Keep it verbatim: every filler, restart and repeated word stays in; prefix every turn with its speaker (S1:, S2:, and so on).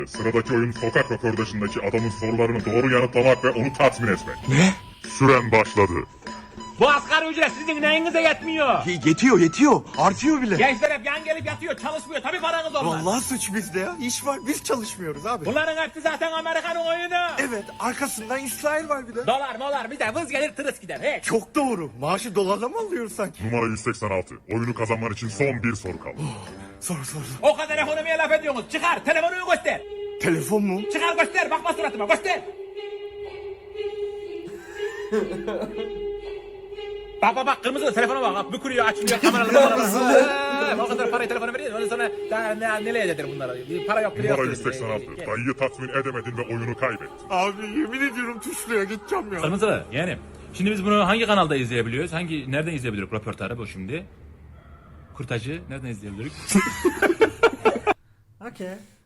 S1: Sıradaki oyun sokak röportajındaki adamın sorularını doğru yanıtlamak ve onu tatmin etmek.
S2: Ne?
S1: Süren başladı.
S3: Bu asgari ücret sizin neyinize yetmiyor?
S2: Y- yetiyor yetiyor. Artıyor bile.
S3: Gençler hep yan gelip yatıyor, çalışmıyor. Tabii paranız olmaz.
S2: Vallahi suç bizde ya. İş var. Biz çalışmıyoruz abi.
S3: Bunların hepsi zaten Amerikan'ın oyunu.
S2: Evet. Arkasından İsrail var bir de.
S3: Dolar molar bize vız gelir tırıs gider. Hiç.
S2: Çok doğru. Maaşı dolarla mı alıyoruz sanki?
S1: Numara yüz seksen altı. Oyunu kazanman için son bir soru kaldı.
S2: Sor sor sor.
S3: O kadar ekonomiye laf ediyorsunuz. Çıkar telefonunu göster.
S2: Telefon mu?
S3: Çıkar göster, bakma suratıma göster. Bak bak bak kırmızı telefona bak, bak bükülüyor açılıyor kameralı kameralı. O kadar parayı telefona veriyor ondan sonra daha ne, nereye eder bunlara? Bir para yok.
S1: Numara yüz seksen altı. Dayıyı tatmin edemedin ve oyunu kaybettin.
S2: Abi yemin ediyorum tuşluya gideceğim ya.
S3: Kırmızı yani. Şimdi biz bunu hangi kanalda izleyebiliyoruz? Hangi nereden izleyebiliriz röportajı bu şimdi? Kurtacı nereden izleyebiliriz?
S4: Okay.